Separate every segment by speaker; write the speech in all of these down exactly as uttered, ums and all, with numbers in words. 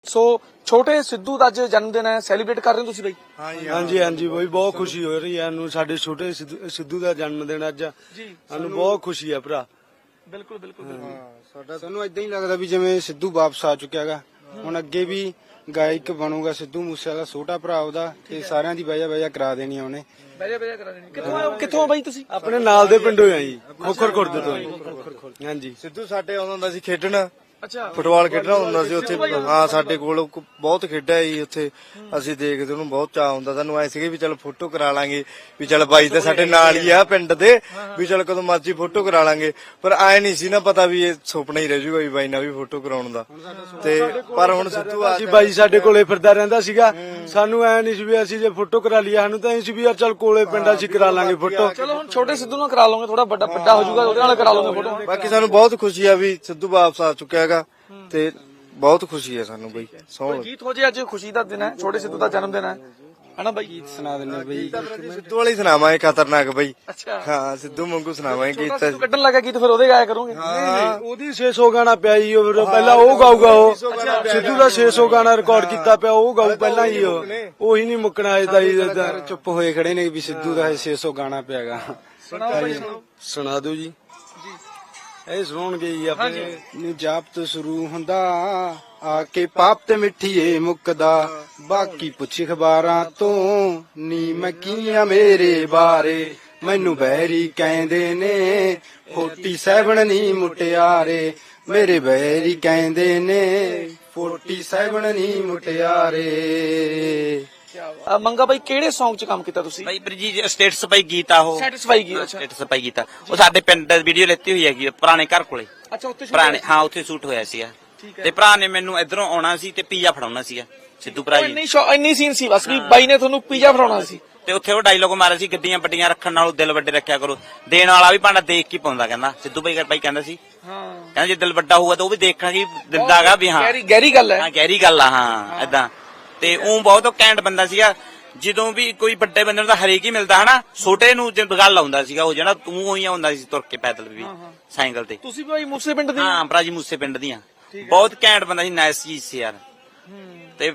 Speaker 1: ਸੋ ਛੋਟੇ ਸਿੱਧੂ ਦਾ ਅੱਜ ਜਨਮ ਦਿਨ ਹੈ, ਸੈਲੀਬ੍ਰੇਟ ਕਰ ਰਹੇ ਹੋ ਤੁਸੀਂ ਬਾਈ?
Speaker 2: ਹਾਂਜੀ ਹਾਂਜੀ ਬਈ ਬਹੁਤ ਖੁਸ਼ੀ ਹੋ ਰਹੀ ਹੈ ਨੂੰ ਸਾਡੇ ਛੋਟੇ ਸਿੱਧੂ ਸਿੱਧੂ ਦਾ ਜਨਮ ਦਿਨ ਅੱਜ
Speaker 1: ਜੀ
Speaker 2: ਸਾਨੂੰ ਬਹੁਤ ਖੁਸ਼ੀ ਹੈ ਭਰਾ।
Speaker 1: ਬਿਲਕੁਲ ਬਿਲਕੁਲ
Speaker 3: ਸਾਡਾ ਸਾਨੂੰ ਇਦਾਂ ਹੀ ਲੱਗਦਾ ਵੀ ਜਿਵੇਂ ਸਿੱਧੂ ਵਾਪਸ ਆ ਚੁੱਕਿਆ ਹੈਗਾ, ਹੁਣ ਅੱਗੇ ਵੀ ਗਾਇਕ ਬਣੂਗਾ ਸਿੱਧੂ ਮੂਸੇਵਾਲਾ, ਛੋਟਾ ਭਰਾ ਉਹਦਾ, ਤੇ ਸਾਰਿਆਂ ਦੀ ਵਜ੍ਹਾ ਵਜ੍ਹਾ ਕਰਾ ਦੇਣੀ ਆ ਉਹਨੇ।
Speaker 1: ਬੈਜਾ ਬੈਜਾ ਕਰਾ ਦੇਣੀ। ਕਿੱਥੋਂ ਆਏ ਕਿੱਥੋਂ ਆ ਬਾਈ ਤੁਸੀਂ?
Speaker 2: ਆਪਣੇ ਨਾਲ ਦੇ ਪਿੰਡੋਂ ਆ ਜੀ, ਖੋਖਰ ਖੁਰਦ ਤੋਂ। ਹਾਂਜੀ
Speaker 4: ਸਿੱਧੂ ਸਾਡੇ ਆਉਂਦਾ ਹੁੰਦਾ ਸੀ ਖੇਡਣ,
Speaker 1: ਅੱਛਾ
Speaker 4: ਫੁੱਟਬਾਲ ਖੇਡਣਾ ਹੁੰਦਾ ਸੀ ਉੱਥੇ। ਹਾਂ ਸਾਡੇ ਕੋਲ ਬਹੁਤ ਖੇਡਿਆ ਜੀ ਉੱਥੇ, ਅਸੀਂ ਦੇਖਦੇ ਉਹਨੂੰ ਬਹੁਤ ਚਾਅ ਹੁੰਦਾ। ਸਾਨੂੰ ਐ ਸੀਗੇ ਵੀ ਚੱਲ ਫੋਟੋ ਕਰਾ ਲਾਂਗੇ, ਵੀ ਚੱਲ ਬਾਈ ਤਾਂ ਸਾਡੇ ਨਾਲ ਹੀ ਆ ਪਿੰਡ ਦੇ, ਵੀ ਚੱਲ ਕਦੋਂ ਮਰਜ਼ੀ ਫੋਟੋ ਕਰਾ ਲਾਂਗੇ। ਪਰ ਐ ਨਹੀਂ ਸੀ ਨਾ ਪਤਾ ਵੀ ਇਹ ਸੁਪਨਾ ਹੀ ਰਹਿ ਜੂਗਾ ਵੀ ਬਾਈ ਨਾਲ ਵੀ ਫੋਟੋ ਕਰਾਉਣ ਦਾ। ਤੇ ਪਰ ਹੁਣ ਸਿੱਧੂ ਆ
Speaker 2: ਅਸੀਂ ਬਾਈ ਸਾਡੇ ਕੋਲੇ ਫਿਰਦਾ ਰਹਿੰਦਾ ਸੀਗਾ, ਸਾਨੂੰ ਐ ਨਹੀਂ ਸੀ ਵੀ ਅਸੀਂ ਜੇ ਫੋਟੋ ਕਰਾ ਲਈ, ਸਾਨੂੰ ਤਾਂ ਇਹ ਸੀ ਵੀ ਯਾਰ ਚੱਲ ਕੋਲੇ ਪਿੰਡ ਅਸੀਂ ਕਰਾ ਲਾਂਗੇ ਫੋਟੋ।
Speaker 1: ਚਲੋ ਹੁਣ ਛੋਟੇ ਸਿੱਧੂ ਨਾਲ ਕਰਾ ਲਓਗੇ, ਥੋੜਾ ਵੱਡਾ ਵੱਡਾ ਹੋ ਜਾਊਗਾ, ਉਹਦੇ ਨਾਲ ਕਰਾ ਲਓਗੇ ਫੋਟੋ।
Speaker 4: ਬਾਕੀ ਸਾਨੂੰ ਬਹੁਤ ਖੁਸ਼ੀ ਆ ਵੀ ਸਿੱਧੂ ਵਾਪਸ ਆ ਚੁੱਕਿਆ ਹੈਗਾ, ਤੇ ਬਹੁਤ ਖੁਸ਼ੀ ਹੈ ਸਾਨੂੰ ਬਈ। ਸੌ
Speaker 1: ਗੀਤ ਹੋ ਜੇ, ਅੱਜ ਖੁਸ਼ੀ ਦਾ ਦਿਨ ਹੈ, ਛੋਟੇ ਸਿੱਧੂ ਦਾ ਜਨਮ ਦਿਨ ਹੈ ਹਨਾ ਬਾਈ?
Speaker 3: ਗੀਤ ਸੁਣਾ ਦਿੰਦੇ ਬਈ।
Speaker 4: ਸਿੱਧੂ ਵਾਲੀ ਸੁਣਾਵਾਂਗੇ ਖਤਰਨਾਕ ਬਈ।
Speaker 1: ਅੱਛਾ
Speaker 4: ਹਾਂ ਸਿੱਧੂ ਵਾਂਗੂ ਸੁਣਾਵਾਂਗੇ
Speaker 1: ਛੋਟਾ
Speaker 4: ਗੀਤ।
Speaker 1: ਸਿੱਧੂ ਕੱਢਣ ਲੱਗਾ ਗੀਤ, ਫਿਰ ਉਹਦੇ ਗਾਇਆ ਕਰੋਗੇ?
Speaker 2: ਉਹਦੀ ਛੇ ਸੌ ਗਾਣਾ ਪਿਆ ਜੀ, ਉਹ ਫਿਰ ਪਹਿਲਾਂ ਉਹ ਗਾਊਗਾ। ਉਹ ਸਿੱਧੂ ਦਾ ਛੇ ਸੌ ਗਾਣਾ ਰਿਕਾਰਡ ਕੀਤਾ ਪਿਆ, ਉਹ ਗਾਊ ਪਹਿਲਾਂ ਹੀ। ਉਹ ਉਹੀ ਨਹੀਂ ਮੁੱਕਣਾ ਅਜੇ ਤਾਂ ਜੀ।
Speaker 3: ਚੁੱਪ ਹੋਏ ਖੜੇ ਨੇ ਵੀ ਸਿੱਧੂ ਦਾ ਛੇ ਸੌ ਗਾਣਾ ਪਿਆਗਾ।
Speaker 1: ਸੁਣਾਓ ਬਾਈ ਸੁਣਾਓ।
Speaker 2: ਸੁਣਾ ਦਿਓ ਜੀ। ਇਹ ਸੁਣਾਉਣਗੇ ਜੀ ਆਪਣੇ।
Speaker 3: ਨੂੰ ਜਾਪ ਤੋਂ ਸ਼ੁਰੂ ਹੁੰਦਾ, ਆ ਕੇ ਪਾਪ ਤੇ ਮਿੱਠੀਏ ਮੁੱਕਦਾ, ਬਾਕੀ ਪੁੱਛ ਖਬਰਾਂ ਤੋਂ ਨੀ ਮੈਂ ਕੀਆਂ ਮੇਰੇ ਬਾਰੇ। ਮੈਨੂੰ ਬੈਰੀ ਕਹਿੰਦੇ ਨੇ ਫੋਰਟੀ ਸੈਵਨ ਨੀ ਮੁਟਿਆਰੇ, ਮੇਰੇ ਬੈਰੀ ਕਹਿੰਦੇ ਨੇ ਫੋਰਟੀ ਸੈਵਨ ਨੀ ਮੁਟਿਆਰੇ।
Speaker 1: ਅ, ਮੰਗਾ ਬਾਈ ਕਿਹੜੇ Song 'ਚ ਕੰਮ ਕੀਤਾ ਤੁਸੀਂ?
Speaker 5: ਭਾਈ ਬਰਜੀ ਸਟੇਟਸ ਭਾਈ ਗੀਤ ਆ ਉਹ,
Speaker 1: ਸੈਟੀਸਫਾਈ ਕੀ? ਅੱਛਾ
Speaker 5: ਸਟੇਟਸ ਭਾਈ ਗੀਤ ਆ ਉਹ, ਸਾਡੇ ਪਿੰਡ ਵੀਡੀਓ ਲੈਤੀ ਹੋਈ ਹੈਗੀ ਪੁਰਾਣੇ ਘਰ ਕੋਲੇ।
Speaker 1: ਅੱਛਾ ਉੱਥੇ shoot
Speaker 5: ਪੁਰਾਣੇ
Speaker 1: ਹੋਇਆ।
Speaker 5: ਹਾਂ ਉੱਥੇ ਸ਼ੂਟ ਹੋਇਆ ਸੀਗਾ।
Speaker 1: ਠੀਕ ਹੈ।
Speaker 5: ਤੇ ਭਰਾ ਨੇ ਮੈਨੂੰ ਇਧਰੋਂ ਆਉਣਾ ਸੀ ਤੇ ਪੀਜ਼ਾ ਫੜਾਉਣਾ ਸੀਗਾ ਸਿੱਧੂ ਭਰਾ ਜੀ।
Speaker 1: ਇੰਨੀ ਸ਼ੌ- ਇੰਨੀ ਸੀਨ ਸੀ ਬਸ ਵੀ ਬਾਈ ਨੇ ਤੁਹਾਨੂੰ ਪੀਜ਼ਾ ਫੜਾਉਣਾ ਸੀ।
Speaker 5: ਤੇ ਉੱਥੇ ਉਹ ਡਾਇਲੋਗ ਮਾਰਿਆ ਸੀ, ਗੱਡੀਆਂ ਵੱਡੀਆਂ ਰੱਖਣ ਨਾਲੋਂ ਦਿਲ ਵੱਡੇ ਰੱਖਿਆ ਕਰੋ। ਦੇਣ ਵਾਲਾ ਵੀ ਭਾਂਡਾ ਦੇਖ ਕੇ ਪਾਉਂਦਾ, ਕਹਿੰਦਾ ਸਿੱਧੂ ਭਾਈ ਭਾਈ ਕਹਿੰਦਾ ਸੀ,
Speaker 1: ਹਾਂ
Speaker 5: ਕਹਿੰਦਾ ਜੇ ਦਿਲ ਵੱਡਾ ਹੋਊਗਾ ਤਾਂ ਉਹ ਵੀ ਦੇਖਣਾ ਕੀ ਦਿੰਦਾਗਾ ਵੀ। ਹਾਂ
Speaker 1: ਗਹਿਰੀ ਗਹਿਰੀ ਗੱਲ ਹੈ।
Speaker 5: ਹਾਂ ਗਹਿਰੀ ਗੱਲ ਆ। ਹਾਂ ਏਦਾਂ ਤੇ ਉਹ ਬਹੁਤ ਕੈਂਟ ਬੰਦਾ ਸੀਗਾ। ਜਦੋਂ ਵੀ ਕੋਈ ਵੱਡੇ ਬੰਦੇ ਨੂੰ ਤਾਂ ਹਰੇਕ ਹੀ ਮਿਲਦਾ ਹਨਾ, ਛੋਟੇ ਨੂੰ ਜਦ ਗੱਲ ਆਉਂਦਾ ਸੀਗਾ ਉਹ ਜਿਹੜਾ ਤੂੰ ਉਹੀ ਹੁੰਦਾ ਸੀ ਤੁਰ ਕੇ ਪੈਦਲ ਵੀ ਸਾਈਕਲ ਤੇ।
Speaker 1: ਤੁਸੀਂ ਬਾਈ ਮੂਸੇ ਪਿੰਡ ਦੇ?
Speaker 5: ਹਾਂ ਭਰਾ ਜੀ ਮੂਸੇ ਪਿੰਡ ਦੀਆਂ। ਬਹੁਤ ਘੈਂਟ ਬੰਦਾ ਸੀ, ਨਾਈਸ ਚੀਜ਼ ਸੀ ਯਾਰ। ਤੇ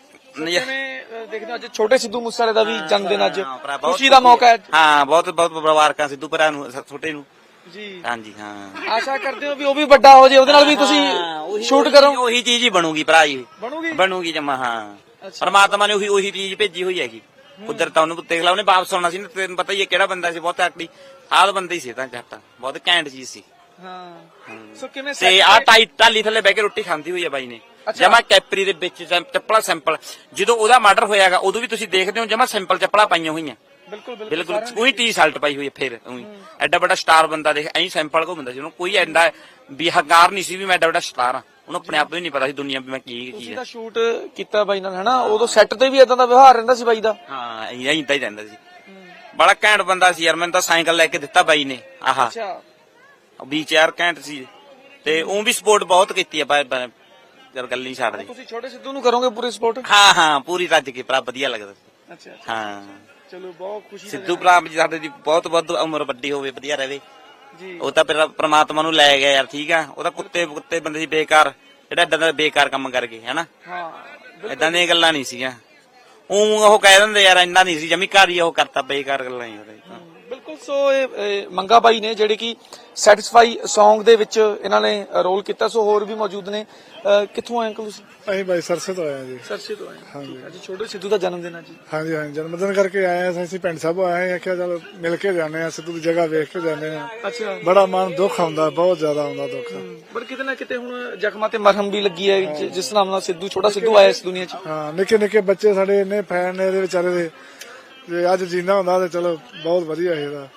Speaker 1: ਕਿਵੇਂ ਦੇਖਦੇ ਹੋ ਅੱਜ ਛੋਟੇ ਸਿੱਧੂ ਮੂਸੇਵਾਲੇ ਦਾ ਵੀ ਜਨਮ ਦਿਨ, ਅੱਜ
Speaker 5: ਹਾਂ ਭਰਾ, ਬਹੁਤ
Speaker 1: ਖੁਸ਼ੀ ਦਾ ਮੌਕਾ ਹੈ।
Speaker 5: ਹਾਂ ਬਹੁਤ ਬਹੁਤ ਮੁਬਾਰਕਾਂ ਸਿੱਧੂ ਭਰਾ ਨੂੰ, ਛੋਟੇ ਨੂੰ
Speaker 1: ਜੀ
Speaker 5: ਹਾਂਜੀ। ਹਾਂ
Speaker 1: ਆਸ਼ਾ ਕਰਦੇ ਹੋ ਵੀ ਉਹ ਵੀ ਵੱਡਾ ਹੋ ਜਾਏ, ਉਹਦੇ ਨਾਲ ਵੀ ਤੁਸੀਂ ਸ਼ੂਟ ਕਰੋ।
Speaker 5: ਉਹੀ ਚੀਜ਼ ਹੀ ਬਣੂਗੀ ਭਰਾ ਜੀ,
Speaker 1: ਬਣੂਗੀ
Speaker 5: ਬਣੂਗੀ ਜਮਾ। ਹਾਂ ਪਰਮਾਤਮਾ ਨੇ ਉਹੀ ਉਹੀ ਚੀਜ਼ ਭੇਜੀ ਹੋਈ ਹੈਗੀ। ਕੁਦਰਤ ਉਹਨੂੰ ਦੇਖ ਲਾ, ਉਹਨੇ ਵਾਪਸ ਆਉਣਾ ਸੀ ਨਾ, ਤੈਨੂੰ ਪਤਾ ਹੀ ਹੈ ਕਿਹੜਾ ਬੰਦਾ ਸੀ, ਬਹੁਤ ਆਕੜੀ ਹਾਲ ਬੰਦਾ ਹੀ ਸੀ ਤਾਂ ਜੱਟ, ਬਹੁਤ ਘੈਂਟ ਚੀਜ਼ ਸੀ।
Speaker 1: ਹਾਂ ਸੋ ਕਿਵੇਂ
Speaker 5: ਤੇ ਆ ਟਾਈ ਟਾਲੀ ਥੱਲੇ ਬਹਿ ਕੇ ਰੋਟੀ ਖਾਂਦੀ ਹੋਈ ਹੈ ਬਾਈ ਨੇ, ਜਮਾ ਕੈਪਰੀ ਦੇ ਵਿੱਚ ਚੱਪਲਾ ਸਿੰਪਲ। ਜਦੋਂ ਉਹਦਾ ਮਰਡਰ ਹੋਇਆਗਾ ਉਦੋਂ ਵੀ ਤੁਸੀਂ ਦੇਖਦੇ ਹੋ ਜਮਾ ਸਿੰਪਲ ਚੱਪਲਾਂ ਪਾਈਆਂ ਹੋਈਆਂ,
Speaker 1: ਬਿਲਕੁਲ
Speaker 5: ਬਿਲਕੁਲ ਉਹੀ ਟੀ ਸ਼ਰਟ ਪਾਈ ਹੋਈ ਹੈ। ਫਿਰ ਉਹੀ ਐਡਾ ਵੱਡਾ ਸਟਾਰ ਬੰਦਾ ਦੇਖ ਐਂ ਸਿੰਪਲ ਘੁੰਮਦਾ ਸੀ, ਉਹਨੂੰ ਕੋਈ ਐਡਾ ਵੀ ਹੰਕਾਰ ਨਹੀਂ ਸੀ ਵੀ ਮੈਂ ਐਡਾ ਵੱਡਾ ਸਟਾਰ ਆ। ਉਹਨੂੰ ਆਪਣੇ ਆਪ ਨੂੰ ਨਹੀਂ ਪਤਾ ਸੀ ਦੁਨੀਆ ਵੀ ਮੈਂ ਕੀ ਕੀ
Speaker 1: ਤੁਸੀਂ
Speaker 5: ਹੈ।
Speaker 1: ਤਾਂ ਸ਼ੂਟ ਕੀਤਾ ਬਾਈ ਨਾਲ ਹਨਾ, ਉਦੋਂ ਸੈੱਟ ਤੇ ਵੀ ਇਦਾਂ ਦਾ ਵਿਵਹਾਰ ਰਹਿੰਦਾ ਸੀ ਬਾਈ ਦਾ?
Speaker 5: ਹਾਂ ਐਂ ਹੀ ਰਹਿੰਦਾ ਸੀ, ਬੜਾ ਘੈਂਟ ਬੰਦਾ ਸੀ ਯਾਰ। ਮੈਨੂੰ ਤਾਂ ਸਾਈਕਲ ਲੈ ਕੇ ਦਿੱਤਾ ਬਾਈ ਨੇ, ਆਹਾ
Speaker 1: ਅੱਛਾ
Speaker 5: ਵੀ ਚਾਰ ਘੈਂਟ ਸੀ। ਤੇ ਉਹ ਵੀ ਸਪੋਰਟ ਬਹੁਤ ਕੀਤੀ ਆ ਬਾਈ, ਜਦ ਗੱਲ ਨਹੀਂ ਛੱਡਦੀ।
Speaker 1: ਤੁਸੀਂ ਛੋਟੇ ਸਿੱਧੂ ਨੂੰ ਕਰੋਗੇ ਪੂਰੀ ਸਪੋਰਟ?
Speaker 5: ਹਾਂ ਹਾਂ ਪੂਰੀ ਰੱਜ ਕੇ ਭਰਾ, ਵਧੀਆ ਲੱਗਦਾ ਸੀ।
Speaker 1: ਅੱਛਾ
Speaker 5: ਹਾਂ
Speaker 1: ਚਲੋ ਬਹੁਤ ਖੁਸ਼ੀ
Speaker 5: ਸਿੱਧੂ ਭਰਾ ਜੀ ਸਾਡੇ ਦੀ ਬਹੁਤ ਬਹੁਤ ਉਮਰ ਵੱਡੀ ਹੋਵੇ, ਵਧੀਆ ਰਹੇ
Speaker 1: ਜੀ।
Speaker 5: ਉਹ ਤਾਂ ਫਿਰ ਪ੍ਰਮਾਤਮਾ ਨੂੰ ਲੈ ਗਿਆ ਯਾਰ, ਠੀਕ ਆ। ਉਹ ਤਾਂ ਕੁੱਤੇ ਕੁੱਤੇ ਬੰਦੇ ਸੀ ਬੇਕਾਰ, ਜਿਹੜਾ ਏਦਾਂ ਦਾ ਬੇਕਾਰ ਕੰਮ ਕਰ ਗਏ ਹਨਾ।
Speaker 1: ਹਾਂ
Speaker 5: ਏਦਾਂ ਦੀਆਂ ਗੱਲਾਂ ਨਹੀਂ ਸੀਗੀਆਂ। ਉਹ ਉਹ ਕਹਿ ਦਿੰਦੇ ਯਾਰ ਇੰਨਾ ਨਹੀਂ ਸੀ, ਜਮੀ ਘਰ ਹੀ ਉਹ ਕਰਤਾ, ਬੇਕਾਰ ਗੱਲਾਂ ਹੀ ਉਹਦੇ।
Speaker 1: ਬਿਲਕੁਲ। ਸੋ ਇਹ ਇਹ ਮੰਗਾ ਬਾਈ ਨੇ ਜਿਹੜੇ ਕਿ ਸੈਟੀਸਫਾਈ Song ਦੇ ਵਿੱਚ ਇਹਨਾਂ ਨੇ ਰੋਲ ਕੀਤਾ। ਸੋ ਹੋਰ ਵੀ ਮੌਜੂਦ ਨੇ। ਅਹ ਕਿੱਥੋਂ ਆਏ ਅੰਕਲ ਤੁਸੀਂ?
Speaker 6: ਅਸੀਂ ਬਾਈ ਸਰਸੇ ਤੋਂ ਆਏ ਹਾਂ ਜੀ।
Speaker 1: ਸਰਸੇ ਤੋਂ ਆਏ। ਹਾਂਜੀ। ਅੱਜ ਛੋਟੇ ਸਿੱਧੂ ਦਾ ਜਨਮ ਦਿਨ ਹੈ ਜੀ।
Speaker 6: ਹਾਂਜੀ ਹਾਂਜੀ ਜਨਮ ਦਿਨ ਕਰਕੇ ਆਏ ਹਾਂ ਅਸੀਂ, ਪਿੰਡ ਸਾਹਿਬ ਆਏ ਹਾਂ, ਕਿਹਾ ਚਲ ਮਿਲ ਕੇ ਜਾਂਦੇ ਹਾਂ, ਸਿੱਧੂ ਦੀ ਜਗ੍ਹਾ ਵੇਖ ਕੇ ਜਾਂਦੇ ਹਾਂ।
Speaker 1: ਅੱਛਾ।
Speaker 6: ਬੜਾ ਮਨ ਦੁੱਖ ਆਉਂਦਾ, ਬਹੁਤ ਜ਼ਿਆਦਾ ਆਉਂਦਾ ਦੁੱਖ।
Speaker 1: ਪਰ ਕਿਤੇ ਨਾ ਕਿਤੇ ਹੁਣ ਜ਼ਖਮਾਂ ਤੇ ਮਰਹਮ ਵੀ ਲੱਗੀ ਹੈ, ਜਿ- ਜਿਸ ਨਾਮ ਨਾਲ ਸਿੱਧੂ ਛੋਟਾ ਸਿੱਧੂ ਆਇਆ ਇਸ ਦੁਨੀਆ 'ਚ।
Speaker 6: ਹਾਂ ਨਿੱਕੇ ਨਿੱਕੇ ਬੱਚੇ ਸਾਡੇ ਇੰਨੇ ਫੈਨ ਨੇ ਇਹਦੇ ਵਿਚਾਰੇ ਦੇ, ਜੇ ਅੱਜ ਜਿੰਦਾ ਹੁੰਦਾ ਤੇ ਚਲੋ ਬਹੁਤ ਵਧੀਆ ਸੀ ਇਹਦਾ।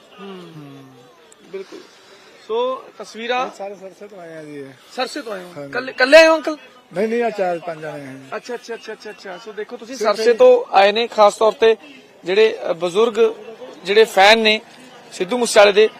Speaker 1: ਬਿਲਕੁਲ। ਸੋ ਤਸਵੀਰਾਂ
Speaker 6: ਸਾਰੇ ਸਰਸੇ ਤੋਂ ਆਏ ਹਾਂ ਜੀ।
Speaker 1: ਸਰਸੇ ਤੋਂ ਆਏ ਹੋ? ਕੱਲੇ ਕੱਲੇ ਆਏ ਹੋ ਅੰਕਲ?
Speaker 6: ਨਹੀਂ ਨਹੀਂ ਆ ਚਾਰ ਪੰਜ ਜਣੇ ਹਾਂ।
Speaker 1: ਅੱਛਾ ਅੱਛਾ ਅੱਛਾ ਅੱਛਾ ਅੱਛਾ। ਸੋ ਦੇਖੋ ਤੁਸੀਂ ਸਰਸੇ ਤੋਂ ਆਏ ਨੇ, ਖਾਸ ਤੌਰ ਤੇ ਜਿਹੜੇ ਅ, ਬਜ਼ੁਰਗ ਜਿਹੜੇ ਫੈਨ ਨੇ ਸਿੱਧੂ ਮੂਸੇਵਾਲੇ ਦੇ।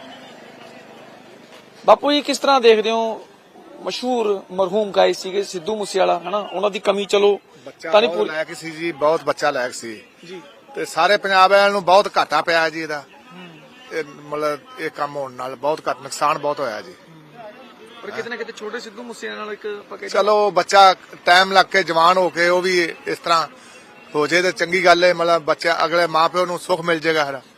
Speaker 1: ਬਾਪੂ ਜੀ ਕਿਸ ਤਰ੍ਹਾਂ ਦੇਖਦੇ ਹੋ, ਮਸ਼ਹੂਰ ਮਰਹੂਮ ਗਾਇਕ ਸੀਗੇ ਸਿੱਧੂ ਮੂਸੇਵਾਲਾ ਹਨਾ, ਉਹਨਾਂ ਦੀ ਕਮੀ ਚਲੋ ਤਾਂ ਨਹੀਂ
Speaker 7: ਬਹੁਤ
Speaker 1: ਪੂਰੀ
Speaker 7: ਲਾਇਕ ਸੀ ਜੀ, ਬਹੁਤ ਬੱਚਾ ਲਾਇਕ ਸੀ
Speaker 1: ਜੀ।
Speaker 7: ਤੇ ਸਾਰੇ ਪੰਜਾਬ ਵਾਲਿਆਂ ਨੂੰ ਬਹੁਤ ਘਾਟਾ ਪਿਆ ਜੀ ਇਹਦਾ। ਇਹ ਮਤਲਬ ਇਹ ਕੰਮ ਹੋਣ ਨਾਲ ਬਹੁਤ ਘੱਟ ਨੁਕਸਾਨ ਬਹੁਤ ਹੋਇਆ ਜੀ।
Speaker 1: ਪਰ ਕਿਤੇ ਨਾ ਕਿਤੇ ਛੋਟੇ ਸਿੱਧੂ ਮੂਸੇਵਾਲੇ ਨਾਲ ਇੱਕ ਆਪਾਂ ਕਹਿ
Speaker 7: ਚਲੋ ਬੱਚਾ ਟਾਈਮ ਲੱਗ ਕੇ ਜਵਾਨ ਹੋ ਕੇ ਉਹ ਵੀ ਇਸ ਤਰ੍ਹਾਂ ਹੋ ਜੇ ਤੇ ਚੰਗੀ ਗੱਲ ਹੈ, ਮਤਲਬ ਬੱਚਾ ਅਗਲੇ ਮਾਪਿਓ ਨੂੰ ਸੁੱਖ ਮਿਲ ਜਾਏਗਾ ਹਰਾ।